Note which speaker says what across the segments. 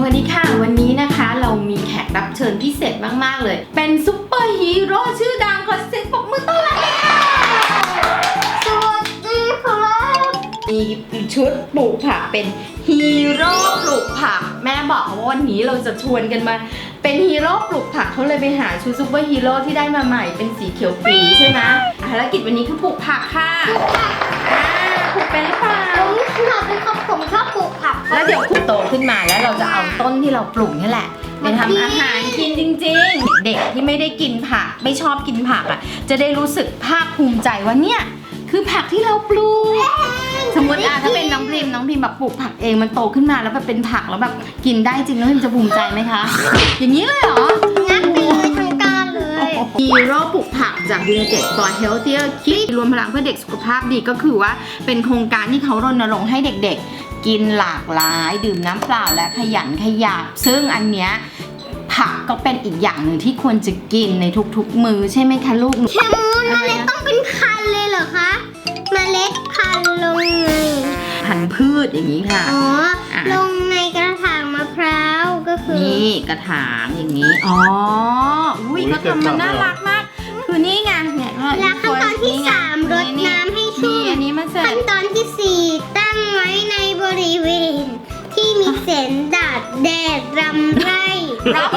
Speaker 1: วัสดีค่ะวันนี้นะคะเรามีแขกรับเชิญพิเศษมากๆเลยเป็นซุปเปอร์ฮีโร่ชื่อดังขอเสียงปรบมือต้อนรับเลยค่ะสวัสดีครับมีชุดปลูกผักเป็นฮีโร่ปลูกผักแม่บอกว่าวันนี้เราจะชวนกันมาเป็นฮีโร่ปลูกผักเขาเลยไปหาชุดซุปเปอร์ฮีโร่ที่ได้มาใหม่เป็นสีเขียวปีใช่ไหมภารกิจวันนี้คือปลูกผักค่ะปลูกเป็นหรือเปล่า
Speaker 2: ผมชอบปลูกผัก
Speaker 1: แล้วเดี๋ยวคุณโตขึ้นมาแล้วเราจะเอาต้นที่เราปลูกนี่แหละไปทำอาหารกินจริงๆเด็กที่ไม่ได้กินผักไม่ชอบกินผักอ่ะจะได้รู้สึกภาคภูมิใจว่าเนี่ยคือผักที่เราปลูกสมมติถ้าเป็นน้องพิมแบบปลูกผักเองมันโตขึ้นมาแล้วแบบเป็นผักแล้วแบบกินได้จริงน้องพิมจะภูมิใจไหมคะอย่างนี้เลยเหรอ
Speaker 2: งัดไปเลยทั้งการเลย
Speaker 1: ฮีโร่ปลูกผักจาก United for Healthier Kids รวมพลังเพื่อเด็กสุขภาพดีก็คือว่าเป็นโครงการที่เขารณรงค์ให้เด็กๆกินหลากหลายดื่มน้ำเปล่าและขยันขยับซึ่งอันเนี้ยผักก็เป็นอีกอย่างหนึ่งที่ควรจะกินในทุกๆมื้อใช่ไหมคะลูก
Speaker 2: เมล็ดต้องเป็นพันเลยเหรอคะเมล็ดพันลงใน
Speaker 1: พันธุ์พืชอย่างนี้ค่ะ
Speaker 2: ลงในกระถางมะพร้าวก็คือ
Speaker 1: นี่กระถางอย่างนี้อุ้ยเขาทำมันน่ารักมากคือนี่ไงเนี่ย
Speaker 2: แล้วขั้นตอนที่3รดน้ำให้ชุ่ม
Speaker 1: อันนี้มาเสร็จ
Speaker 2: ขั้นตอนที่4ตั้งไว้ในบริเวณที่มีแสงแดดรำไรแปล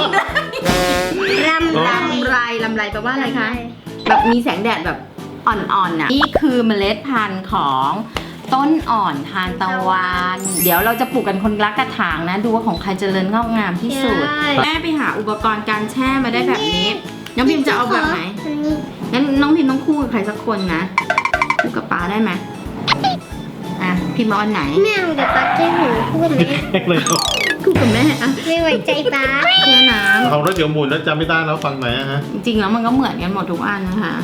Speaker 1: ว่าอะไรคะแบบมีแสงแดดแบบอ่อนๆน่ะนี่คือเมล็ดพันธุ์ของต้นอ่อนทานตะวันเดี๋ยวเราจะปลูกกันคนละกระถางนะดูว่าของใครเจริญงอกงามที่สุดแม่ไปหาอุปกรณ์การแช่มาได้แบบนี้น้องพิมจะเอาแบบไหนงั้นน้องพิมต้องคู่กับใครสักคนนะคู่กับป๊าได้ไหมพิมเอาอันไหน
Speaker 2: แม่เดี๋ยวป๊าจะหูคู่กัน
Speaker 3: เลย
Speaker 1: คู่กับแม่
Speaker 2: ไม่ไว้ใจป๊า
Speaker 1: แช่น้ำ
Speaker 3: ของรถเดี๋ยวหมุนแล้วจำไม่ได้แล้วฟังไหนฮะ
Speaker 1: จริงๆแล้วมันก็เหมือนกันหมดทุกอันนะคะ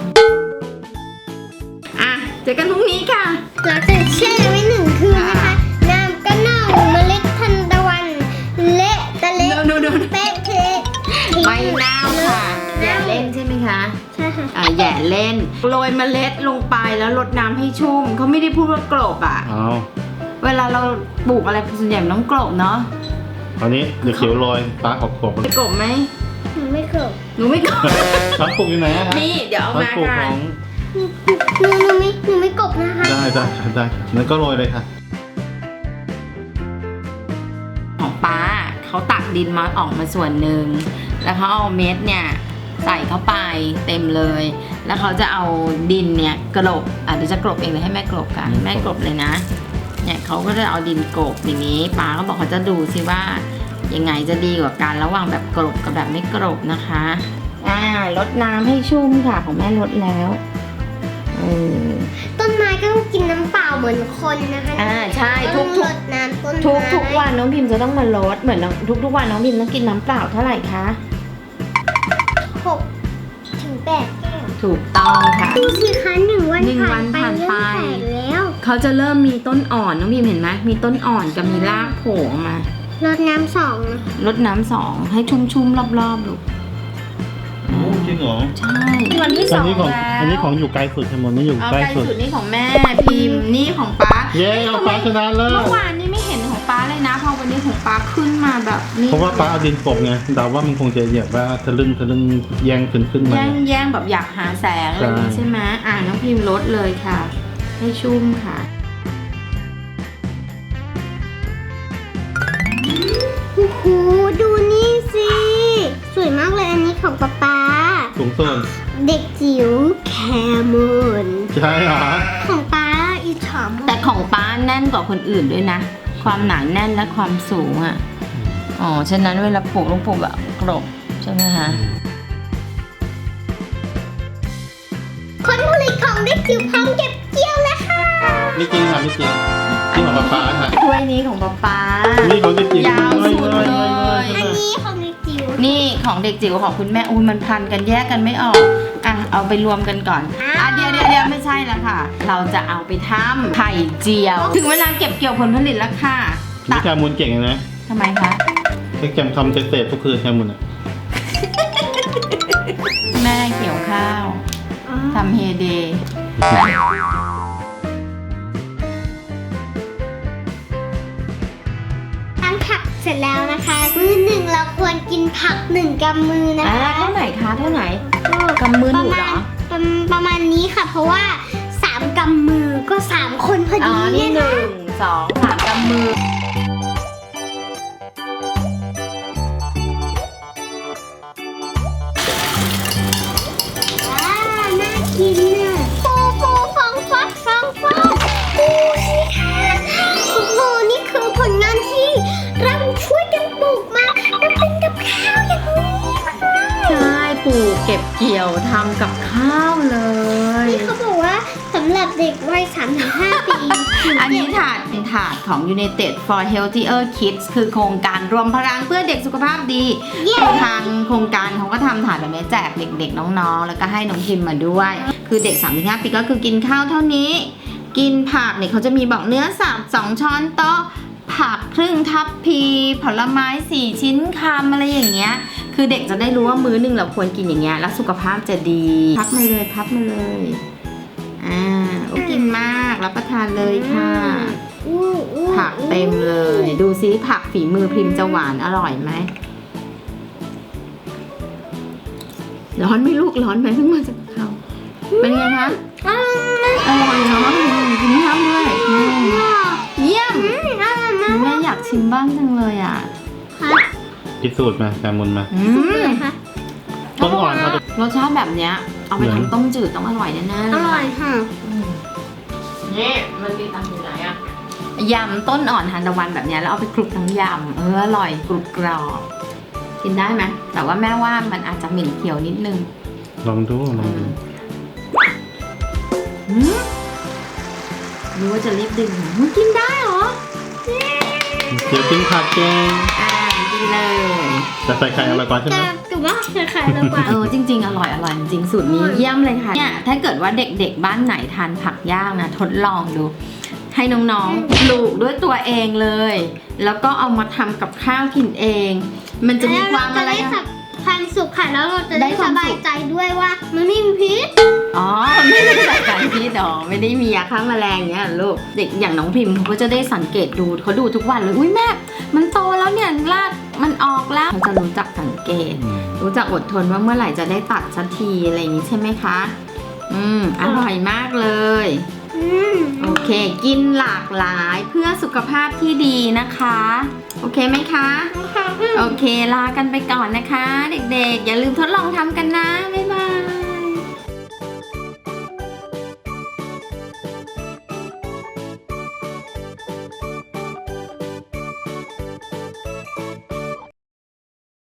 Speaker 1: เจอกันพรุ่งนี้ค่ะ
Speaker 2: หลังจากแช่ไว้1 คืนนะคะน้ำก็เน่าเมล็ดทันตะวันเละเป๊ะ
Speaker 1: ไม่เน่าค่ะแย่เล่นใช่ไหมคะ
Speaker 2: ใช่ค่ะ
Speaker 1: แย่เล่นโรยเมล็ดลงไปแล้วรดน้ำให้ชุ่มเขาไม่ได้พูดว่ากลบเวลาเราปลูกอะไรส่วนใหญ่ต้องกลบเนาะ
Speaker 3: ตอนนี้เดี๋ยวเขียวโรยปลาขอบ
Speaker 1: จะกลบไหม
Speaker 2: หนูไม่กลบ
Speaker 3: ปลาปลูกอยู่ไหน
Speaker 1: นี่เดี๋ยวเอามาค่ะ
Speaker 2: หนูไม่กบนะคะ
Speaker 3: ได้งั้นก็โรยเลยค่ะ
Speaker 1: ของป้าเขาตักดินมาออกมาส่วนหนึ่งแล้วเขาเอาเม็ดเนี่ยใส่เข้าไปเต็มเลยแล้วเขาจะเอาดินเนี่ยกลบเดี๋ยวจะกลบเองเลยให้แม่กลบกันแม่กลบเลยนะเนี่ยเขาก็จะเอาดินกลบอย่างนี้ป้าเขาบอกเขาจะดูซิว่ายังไงจะดีกว่ากันระหว่างแบบกลบกับแบบไม่กลบนะคะรดน้ำให้ชุ่มค่ะของแม่รดแล้ว
Speaker 2: ต้นไม้ก็ต้องกินน้ำเปล่าเหมือนคนนะคะ
Speaker 1: ใช่ทุก
Speaker 2: น้ำต้นไม้
Speaker 1: ทุกวันน้องพิมจะต้องมาลดเหมือนทุกวันน้องพิมต้องกินน้ำเปล่าเท่าไหร่คะ
Speaker 2: 6 ถึง 8 แก้ว
Speaker 1: ถูกต้องค่ะ
Speaker 2: ดูสิคะ1 วันผ่านไปแล้ว
Speaker 1: เขาจะเริ่มมีต้นอ่อนน้องพิมเห็นไหมมีต้นอ่อนกับมีรากโผล่มาร
Speaker 2: ดน้ำ2นะ
Speaker 1: รดน้ำ2ให้ชุ่มๆรอบๆลูก
Speaker 3: จริงเหรอ
Speaker 1: ใช่วันที่2แล้ว
Speaker 3: อันนี้ของอยู่ไกลสุดทั้งหมดนี่อยู่ใกล้สุด
Speaker 1: นี่ของแม่พิมนี่ของป๊า
Speaker 3: เย้เอาป๊าชนะเลย
Speaker 1: เมื่อวานนี้ไม่เห็นของป๊าเลยนะพอวันนี้ของป๊าขึ้นมาแบบนี้
Speaker 3: เพราะว่าป๊าเอาดินกลบไงเดาว่ามันคงจะเหยียบว่าทะลึ่งแย่งขึ้นมา
Speaker 1: แย่งแบบอยากหาแสงอะไรนี้ใช่ไหมน้องพิมลดเลยค่ะให้ชุ่มค่ะ
Speaker 2: โอ้โหดูนี่สิสวยมากเลยอันนี้ของป๊า
Speaker 3: สูงส่วน
Speaker 2: เด็กจิ๋วแคมูน
Speaker 3: ใช่เหรอ
Speaker 2: ของป๊าอีฉอม
Speaker 1: แต่ของป๊าแน่นกว่าคนอื่นด้วยนะความหนาแน่นและความสูงฉะนั้นเวลาปลูกต้องปลูกแบบกลบใช่ไหมคะ
Speaker 2: ผลผลิตของเด็กจิ๋วพร้อมเก็บเกี่ยวแล้วค่ะ
Speaker 3: ไม่จริงค่ะไม่จริงที่ของป๊าค่ะ
Speaker 1: ถ้วยนี้ของป๊า
Speaker 3: นี่ของเด็กจิ๋วย
Speaker 1: าวสุดเลย
Speaker 2: อันนี้ของเด็กจิ๋ว
Speaker 1: นี่ของเด็กจิ๋วของคุณแม่มันพันกันแยกกันไม่ออกเอาไปรวมกันก่อนเดี๋ยวไม่ใช่แล้วค่ะเราจะเอาไปทำไข่เจียวถึงเวลาเก็บเกี่ยวผลผลิตแล้วค่ะ
Speaker 3: พี่แคมูลเก่งนะ
Speaker 1: ทำไมคะ
Speaker 3: พี่แคมทำเศษทุกคืนแคมูล
Speaker 1: แม่เกี่ยวข้าวทำเฮเดย์
Speaker 2: ทั้งผักเสร็จแล้วนะคะ มื้อหนึ่งเราควรกินผัก1 กำมือนะคะ
Speaker 1: เท่าไหร่คะเท่าไหร่กำมือหนูเหรอ
Speaker 2: ประมาณนี้ค่ะ เพราะว่า3 กำมือก็3 คนพอ
Speaker 1: อ๋อ
Speaker 2: ดี
Speaker 1: นี่
Speaker 2: เนี่ย
Speaker 1: 1
Speaker 2: นะ
Speaker 1: 2 3กำมือ
Speaker 2: น่ากินน่ะฟูฟองฟักดูสิค่ะโอ้โหนี่คือผลงานที่เราช่วยกันปลูกมาแล้วเป็นกับข้าวอย่างนี้ค่ะ
Speaker 1: ใช่ปลูกเก็บเกี่ยวทำกับข้าวเลย
Speaker 2: นี่เขาบอกว่าสำหรับเด็กวัย3-5 ปี
Speaker 1: อันนี้ถาดเป็นถาดของ United for Healthier Kids คือโครงการรวมพลังเพื่อเด็กสุขภาพดีคือทางโครงการเขาก็ทำถาดแบบนี้แจกเด็กๆน้องๆแล้วก็ให้น้องพิมพ์มาด้วย คือเด็ก 3-5 ปีก็คือกินข้าวเท่านี้ กินผักเนี่ยเขาจะมีบอกเนื้อสับ2 ช้อนโต๊ะผักครึ่งทัพพีผลไม้4 ชิ้นคำอะไรอย่างเงี้ยคือเด็กจะได้รู้ว่ามื้อหนึ่งเราควรกินอย่างเงี้ยแล้วสุขภาพจะดีพับมาเลยโอ้กินมากรับประทานเลยค่ะ ผักเต็มเลย ดูซิผักฝีมือพิมพ์จะหวานอร่อยไหมร้อนไหมลูกร้อนไหมเพิ่งมาจากเขาเป็นไงคะอร่อยเนาะกินข้าวด้วยเยี่ยมแม่อยากชิมบ้างจังเลยอ่ะ
Speaker 3: พิสูจน์มาการมุนมา
Speaker 2: สุกเลยค่ะ
Speaker 3: ต้นอ่อนเขาจะ
Speaker 1: รสชาติแบบเนี้ยเอาไปทำต้มจืดต้องอร่อยแน่ๆ
Speaker 2: อร่อยค่ะ
Speaker 1: นี่มันมีตังอยู่ไหนอะยำต้นอ่อนทานตะวันแบบเนี้ยแล้วเอาไปคลุกทั้งยำอร่อยกรุบกรอบกินได้ไหมแต่ว่าแม่ว่ามันอาจจะเหม็นเขียวนิดนึง
Speaker 3: ลองดู
Speaker 1: รู้ว่าจะรีบดึงมันกินได้เหรอ
Speaker 3: เดี๋ยวกินผักเก่ง
Speaker 1: กินเลย
Speaker 3: แต่ใส่ไข่อร่อยกว่าใช่ไหม
Speaker 2: แต่ว่าไข่เรากว่า
Speaker 1: จริงๆอร่อยจริงสูตรนี้เยี่ยมเลยค่ะเนี่ยถ้าเกิดว่าเด็กๆบ้านไหนทานผักย่างนะทดลองดู ให้น้องๆปลูกด้วยตัวเองเลย แล้วก็เอามาทำกับข้าวกินเอง มันจะมีความอะไร
Speaker 2: ความสุขค่ะแล้วเราจะได้
Speaker 1: ได้ค
Speaker 2: ส
Speaker 1: วามสุข
Speaker 2: บายใจด้วยว่ามันไม่มีพิษ
Speaker 1: อ๋อไม่ได้ใส่สารพิษหรอไม่ได้มียาฆ่าแมลงเงี้ยลูกเด็กอย่างน้องพิมพ์เขาก็จะได้สังเกตดูเขาดูทุกวันเลยอุ้ยแม่มันโตแล้วเนี่ยรากมันออกแล้วเขาจะรู้จักสังเกต รู้จักอดทนว่าเมื่อไหร่จะได้ตัดสักทีอะไรอย่างนี้ใช่ไหมคะอร่อยมากเลยโอเค กินหลากหลายเพื่อสุขภาพที่ดีนะคะโอเคไหมคะโอเคลากันไปก่อนนะคะ เด็กๆอย่าลืมทดลองทำกันนะบ๊ายบาย